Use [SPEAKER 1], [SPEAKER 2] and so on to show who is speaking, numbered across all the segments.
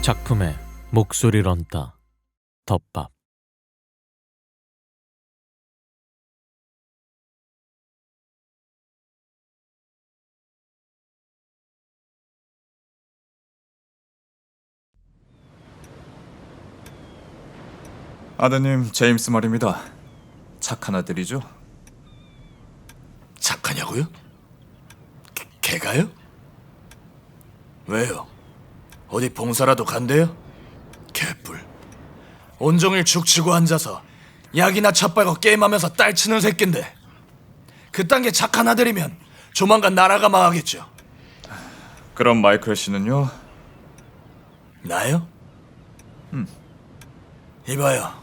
[SPEAKER 1] 작품에 목소리를 얹다. 덮밥.
[SPEAKER 2] 아드님 제임스 말입니다. 착한 아들이죠?
[SPEAKER 3] 착하냐고요? 걔가요? 왜요? 어디 봉사라도 간대요? 개뿔. 온종일 죽치고 앉아서 약이나 첫 빨고 게임하면서 딸치는 새끼인데 그딴 게 착한 아들이면 조만간 나라가 망하겠죠.
[SPEAKER 2] 그럼 마이클 씨는요?
[SPEAKER 3] 나요? 이봐요.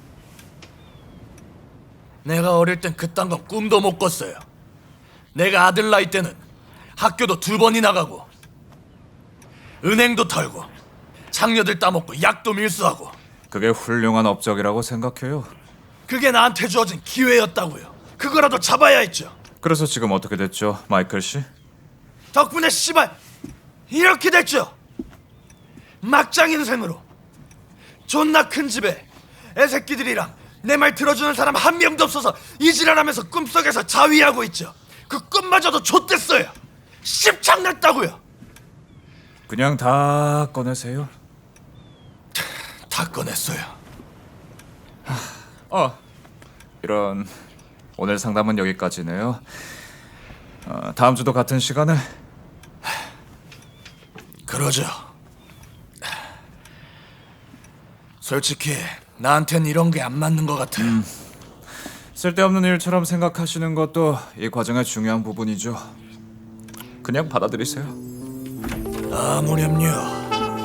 [SPEAKER 3] 내가 어릴 땐 그딴 거 꿈도 못 꿨어요. 내가 아들 나이 때는 학교도 2번이나 가고 은행도 털고 장녀들 따먹고 약도 밀수하고
[SPEAKER 2] 그게 훌륭한 업적이라고 생각해요.
[SPEAKER 3] 그게 나한테 주어진 기회였다고요. 그거라도 잡아야 했죠.
[SPEAKER 2] 그래서 지금 어떻게 됐죠, 마이클 씨?
[SPEAKER 3] 덕분에 씨발 이렇게 됐죠. 막장 인생으로 존나 큰 집에 애새끼들이랑 내 말 들어주는 사람 한 명도 없어서 이지랄하면서 꿈속에서 자위하고 있죠. 그 꿈마저도 좆됐어요. 씹창났다고요.
[SPEAKER 2] 그냥 다 꺼내세요.
[SPEAKER 3] 다 꺼냈어요.
[SPEAKER 2] 이런, 오늘 상담은 여기까지네요. 다음 주도 같은 시간에.
[SPEAKER 3] 그러죠. 솔직히 나한텐 이런 게 안 맞는 것 같아요.
[SPEAKER 2] 쓸데없는 일처럼 생각하시는 것도 이 과정의 중요한 부분이죠. 그냥 받아들이세요.
[SPEAKER 3] 아무렴요.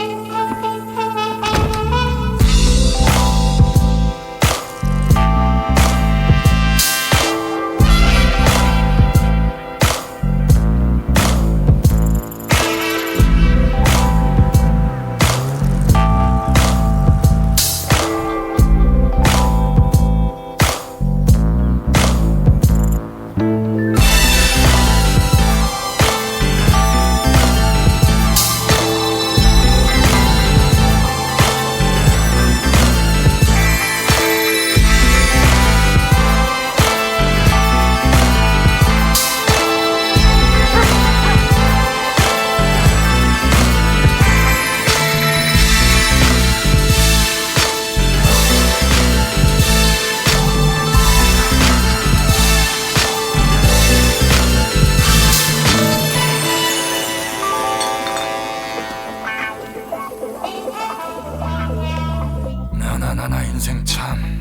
[SPEAKER 3] 나나나나 인생 참.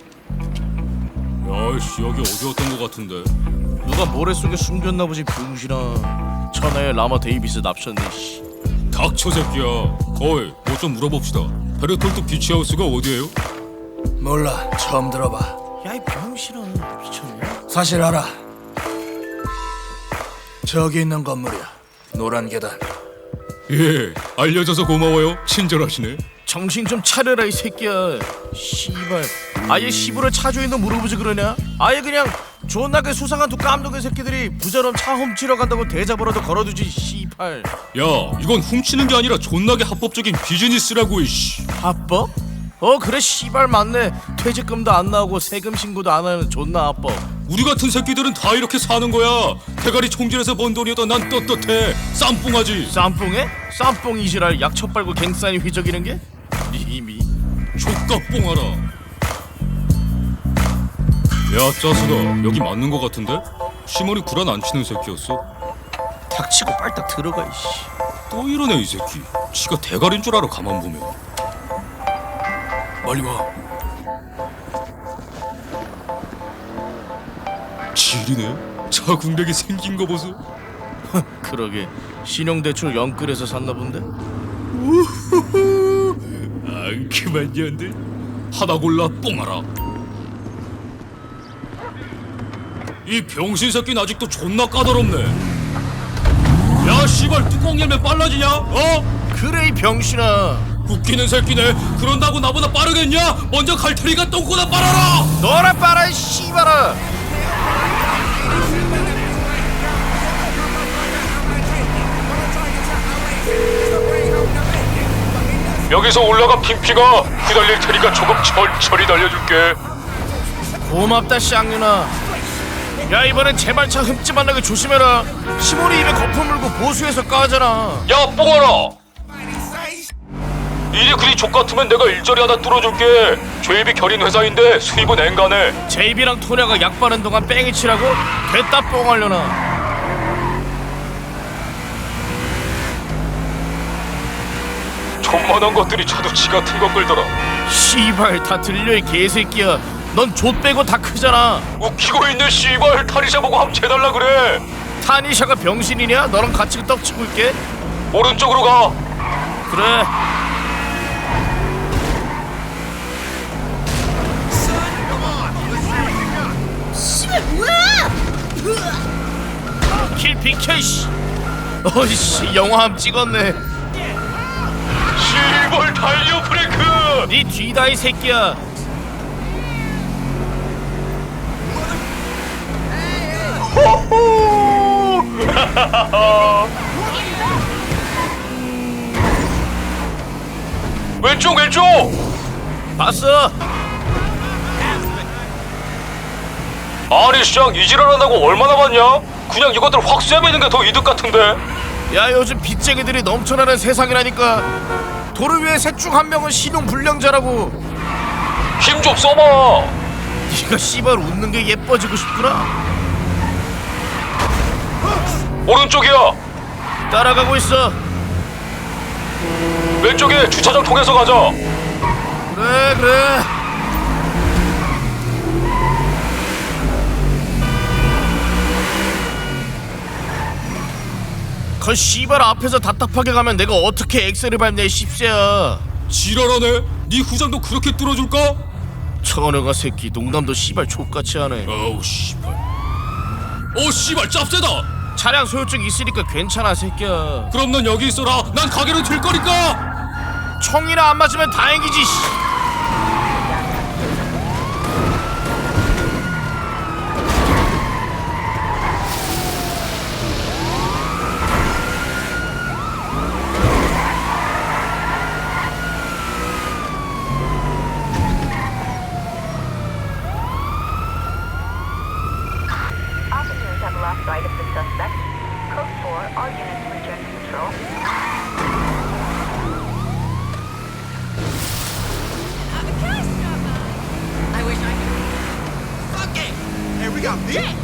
[SPEAKER 4] 야이씨 여기 어디였던 것 같은데.
[SPEAKER 5] 누가 모래 속에 숨겼나 보지 병신아. 천하의 라마 데이비스 납셨네 씨.
[SPEAKER 4] 닥쳐 새끼야. 거의 뭐 좀 물어봅시다. 베르톨트 비치하우스가 어디예요?
[SPEAKER 3] 몰라. 처음 들어봐.
[SPEAKER 5] 야 이 병신아 미쳤냐?
[SPEAKER 3] 사실 알아. 저기 있는 건물이야. 노란 계단.
[SPEAKER 4] 예 알려줘서 고마워요. 친절하시네.
[SPEAKER 5] 정신 좀 차려라 이 새끼야. 씨발 아예 시부를 차주인도 물어보지 그러냐? 아예 그냥 존나게 수상한 두 깜둥이 새끼들이 부자럼 차 훔치러 간다고 대잡으로도 걸어두지 씨발.
[SPEAKER 4] 야 이건 훔치는 게 아니라 존나게 합법적인 비즈니스라고 이씨.
[SPEAKER 5] 합법? 그래 씨발 맞네. 퇴직금도 안 나오고 세금 신고도 안 하는 존나 합법.
[SPEAKER 4] 우리 같은 새끼들은 다 이렇게 사는 거야. 대가리 총질해서 번 돈이어도 난 떳떳해. 쌈뽕하지.
[SPEAKER 5] 쌈뽕에? 쌈뽕 이지랄 약초 빨고 갱싸니 휘저기는 게? 이미
[SPEAKER 4] 족갑뽕하라. 야 짜수가 여기 맞는 거 같은데? 시머리 구란 안 치는 새끼였어?
[SPEAKER 5] 닥치고 빨딱 들어가 이씨.
[SPEAKER 4] 또 이러네 이 새끼. 지가 대가리인 줄 알아 가만 보면.
[SPEAKER 3] 멀리 봐.
[SPEAKER 4] 지리네. 자궁력이 생긴 거 보소.
[SPEAKER 5] 그러게 신용대출 영끌에서 샀나 본데?
[SPEAKER 4] 앙큼한 년들 하나 골라 뽕하라. 이 병신 새끼는 아직도 존나 까다롭네. 야 씨발 뚜껑 열면 빨라지냐?
[SPEAKER 5] 그래 이 병신아.
[SPEAKER 4] 웃기는 새끼네. 그런다고 나보다 빠르겠냐? 먼저 갈 테니까 똥꼬나 빨아라.
[SPEAKER 5] 너라 빨아 이 씨발아.
[SPEAKER 4] 여기서 올라가 핀피가 후달릴 테니까 조금 천천히 달려줄게.
[SPEAKER 5] 고맙다 쌍윤아. 야 이번엔 제발차 흠집 안 나게 조심해라. 시몬이 입에 거품 물고 보수해서 까잖아.
[SPEAKER 4] 야 뽕아라, 일이 그리 족같으면 내가 일자리 하나 뚫어줄게. JB 결인 회사인데 수입은 앵간해.
[SPEAKER 5] 제이비랑 토냐가 약 바른 동안 뺑이 치라고? 됐다 뽕하려나.
[SPEAKER 4] 존만한 것들이 저도 지 같은 거 끌더라.
[SPEAKER 5] 씨발 다 들려 이 개새끼야. 넌 좆 빼고 다 크잖아.
[SPEAKER 4] 웃기고 있는 씨발 타리샤 보고 함 재달라 그래.
[SPEAKER 5] 타니샤가 병신이냐? 너랑 같이 떡치고 있게?
[SPEAKER 4] 오른쪽으로 가.
[SPEAKER 5] 그래.
[SPEAKER 6] 씨발 뭐야?
[SPEAKER 5] 킬 비켜 씨. 어이씨 영화함 찍었네.
[SPEAKER 4] 씨발 달려 브레이크.
[SPEAKER 5] 네 뒤다 이 새끼야.
[SPEAKER 4] 왼쪽 왼쪽.
[SPEAKER 5] 봤어.
[SPEAKER 4] 아니 시장 이지랄한다고 얼마나 받냐? 그냥 이것들 확 쐬매는 게 더 이득 같은데.
[SPEAKER 5] 야 요즘 빚쟁이들이 넘쳐나는 세상이라니까. 도를 위해 셋 중 한 명은 신용 불량자라고.
[SPEAKER 4] 힘 좀 써봐.
[SPEAKER 5] 네가 씨발 웃는 게 예뻐지고 싶구나.
[SPEAKER 4] 오른쪽이야.
[SPEAKER 5] 따라가고 있어.
[SPEAKER 4] 왼쪽에 주차장 통해서 가자.
[SPEAKER 5] 그래 그래. 그 씨발 앞에서 답답하게 가면 내가 어떻게 엑셀을 밟냐 이 씹새야.
[SPEAKER 4] 지랄하네. 네 후장도 그렇게 뚫어줄까?
[SPEAKER 5] 천여가 새끼 농담도 씨발 족같이 하네.
[SPEAKER 4] 어우 씨발. 씨발 짭새다.
[SPEAKER 5] 차량 소유증 있으니까 괜찮아 새끼야.
[SPEAKER 4] 그럼 넌 여기 있어라. 난 가게로 들 거니까.
[SPEAKER 5] 총이나 안 맞으면 다행이지 씨.
[SPEAKER 7] Officers have lost sight of the suspect. Code 4, all units return to patrol.
[SPEAKER 6] I wish I could. Fuck it! Hey, we got beef!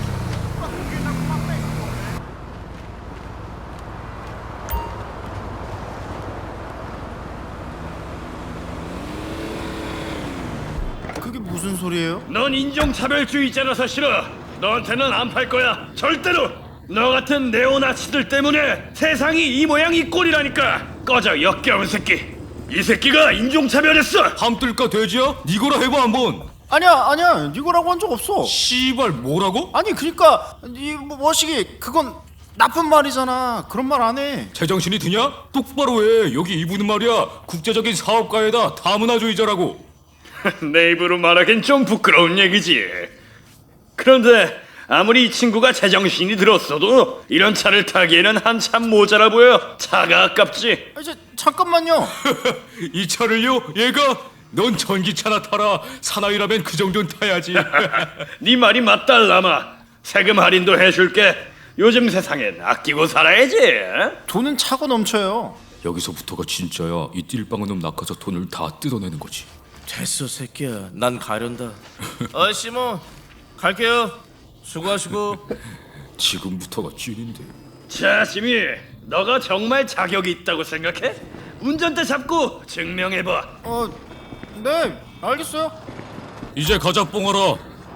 [SPEAKER 5] 그게 무슨 소리예요?
[SPEAKER 8] 넌 인종차별주의자라서 싫어. 너한테는 안 팔 거야. 절대로. 너 같은 네오나치들 때문에 세상이 이 모양 이 꼴이라니까. 꺼져 역겨운 새끼. 이 새끼가 인종차별했어.
[SPEAKER 4] 함뜰까 돼지야? 니거라 해봐 한번.
[SPEAKER 9] 아니야 이거라고 한 적 없어.
[SPEAKER 4] 씨발 뭐라고?
[SPEAKER 9] 아니 그러니까 이 머시기 그건 나쁜 말이잖아. 그런 말 안 해.
[SPEAKER 4] 제정신이 드냐? 똑바로 해. 여기 이분은 말이야 국제적인 사업가에다 다문화주의자라고.
[SPEAKER 8] 내 입으로 말하긴 좀 부끄러운 얘기지. 그런데 아무리 이 친구가 제정신이 들었어도 이런 차를 타기에는 한참 모자라 보여. 차가 아깝지.
[SPEAKER 9] 이제 잠깐만요.
[SPEAKER 4] 이 차를요? 얘가? 넌 전기차나 타라. 사나이라면 그 정도는 타야지.
[SPEAKER 8] 네 말이 맞달라마. 세금 할인도 해줄게. 요즘 세상엔 아끼고 살아야지.
[SPEAKER 9] 돈은 차고 넘쳐요.
[SPEAKER 4] 여기서부터가 진짜야. 이 띨빵은 놈 낚아서 돈을 다 뜯어내는 거지.
[SPEAKER 5] 됐어 새끼야. 난 가련다. 시몬 갈게요. 수고하시고.
[SPEAKER 4] 지금부터가 찐인데.
[SPEAKER 8] 자, 지미, 너가 정말 자격이 있다고 생각해? 운전대 잡고 증명해봐.
[SPEAKER 9] 네 알겠어요.
[SPEAKER 4] 이제 가자 뽕하라.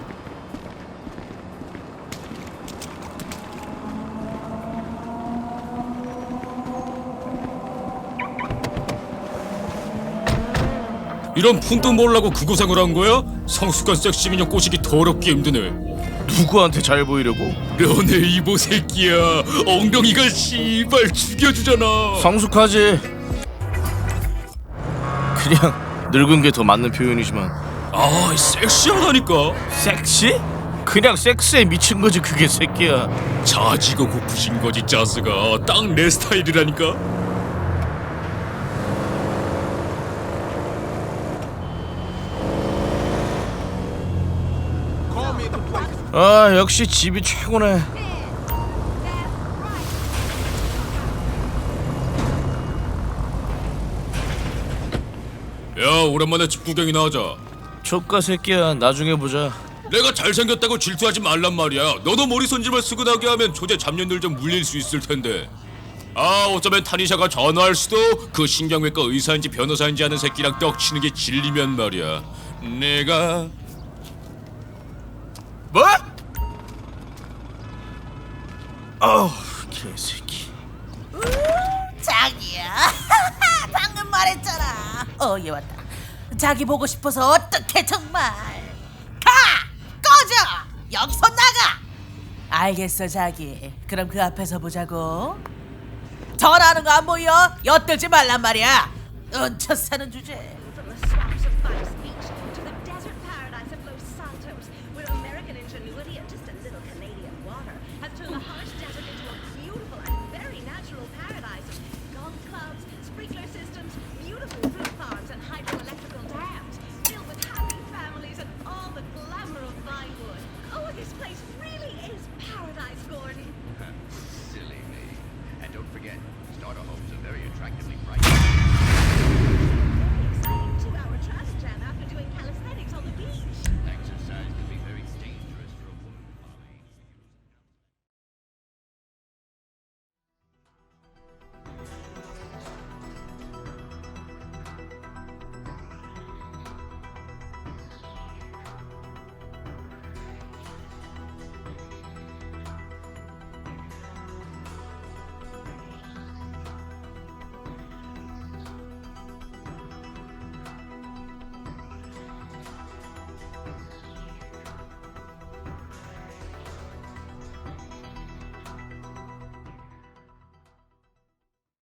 [SPEAKER 4] 이런 푼도 몰라고 그 고생을 한 거야? 성숙한 섹시미녀 꼬시기 더럽게 힘드네.
[SPEAKER 5] 누구한테 잘 보이려고?
[SPEAKER 4] 너네 이보 새끼야. 엉덩이가 씨발 죽여주잖아.
[SPEAKER 5] 성숙하지. 그냥 늙은 게 더 맞는 표현이지만.
[SPEAKER 4] 아 섹시하다니까.
[SPEAKER 5] 섹시? 그냥 섹스에 미친 거지 그게 새끼야.
[SPEAKER 4] 자지가 고프신 거지 짜스가. 딱 내 스타일이라니까.
[SPEAKER 5] 아 역시 집이 최고네.
[SPEAKER 4] 야, 오랜만에 집 구경이나 하자.
[SPEAKER 5] 조카 새끼야, 나중에 보자.
[SPEAKER 4] 내가 잘생겼다고 질투하지 말란 말이야. 너도 머리 손질만 쓰고나게 하면 조제 잡년들 좀 물릴 수 있을 텐데. 아, 어쩌면 타니샤가 전화할 수도. 그 신경외과 의사인지 변호사인지 하는 새끼랑 떡치는 게 질리면 말이야. 내가
[SPEAKER 5] 뭐? 어우 개새끼.
[SPEAKER 10] 자기야. 방금 말했잖아. 얘 왔다. 자기 보고 싶어서 어떡해 정말. 가! 꺼져! 여기서 나가! 알겠어 자기. 그럼 그 앞에서 보자고. 전화하는 거 안 보여? 엿들지 말란 말이야. 얹혀 사는 주제.